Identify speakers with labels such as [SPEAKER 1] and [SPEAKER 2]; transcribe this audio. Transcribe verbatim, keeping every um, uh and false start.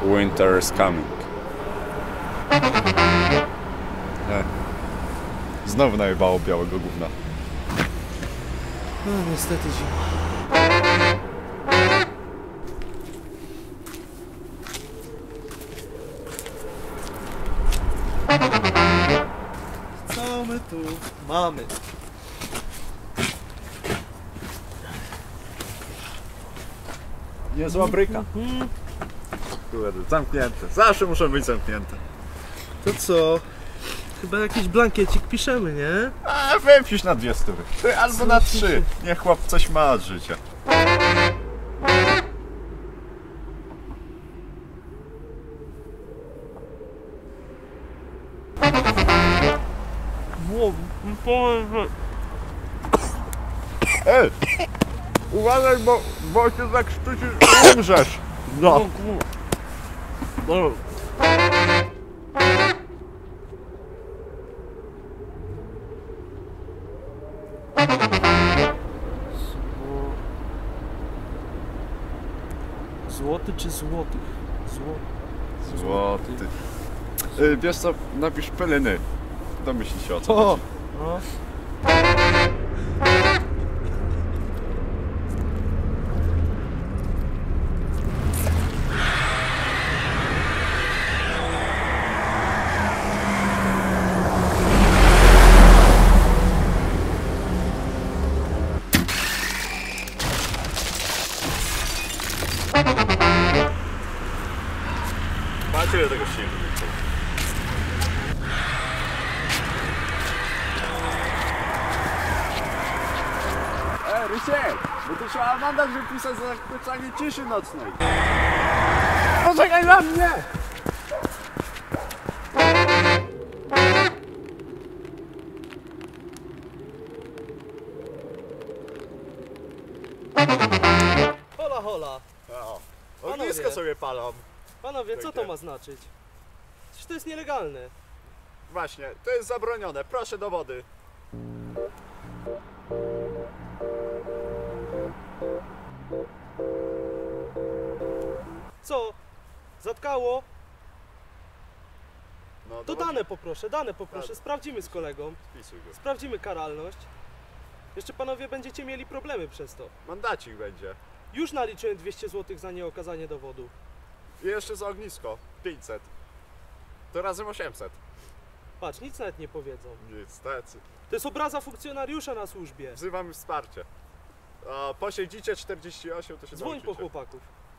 [SPEAKER 1] Winter is coming.
[SPEAKER 2] Nie. Znowu najebało białego gówna.
[SPEAKER 3] No niestety zima. Co my tu mamy?
[SPEAKER 2] Niezła bryka. Kurde, zamknięte. Zawsze muszą być zamknięte.
[SPEAKER 3] To co? Chyba jakiś blankiecik piszemy, nie?
[SPEAKER 2] A wypisz na dwie stówy. Ty albo na trzy. Niech chłop coś ma od życia. Ej! Uważaj, bo, bo się zakrztusisz i umrzesz. No.
[SPEAKER 3] Złoty czy złotych? Złoty.
[SPEAKER 2] Złoty. Y, wiesz co, napisz pelyny. Domyśl się o co
[SPEAKER 3] O!
[SPEAKER 2] chodzi.
[SPEAKER 3] No.
[SPEAKER 2] Macie tego silnika. Ej, Rysiek! Bo to trzeba mandat wypisać za zakłócanie ciszy nocnej. Poczekaj na mnie!
[SPEAKER 3] Hola, hola.
[SPEAKER 2] O,
[SPEAKER 3] Panowie.
[SPEAKER 2] ognisko sobie palą.
[SPEAKER 3] Panowie, co to ma znaczyć? Przecież to jest nielegalne.
[SPEAKER 2] Właśnie, to jest zabronione. Proszę do wody.
[SPEAKER 3] Co? Zatkało?
[SPEAKER 2] No,
[SPEAKER 3] To
[SPEAKER 2] do wody.
[SPEAKER 3] dane poproszę, dane poproszę.
[SPEAKER 2] Tak.
[SPEAKER 3] Sprawdzimy z kolegą.
[SPEAKER 2] Wpisuj go.
[SPEAKER 3] Sprawdzimy karalność. Jeszcze panowie będziecie mieli problemy przez to.
[SPEAKER 2] Mandacik będzie.
[SPEAKER 3] Już naliczyłem dwieście złotych za nieokazanie dowodu.
[SPEAKER 2] I jeszcze za ognisko. pięćset. To razem osiemset.
[SPEAKER 3] Patrz, nic nawet nie powiedzą.
[SPEAKER 2] Niestety.
[SPEAKER 3] To jest obraza funkcjonariusza na służbie.
[SPEAKER 2] Wzywamy wsparcie. O, posiedzicie czterdzieści osiem, to się
[SPEAKER 3] Dzwoń po
[SPEAKER 2] nauczycie.
[SPEAKER 3] chłopaków.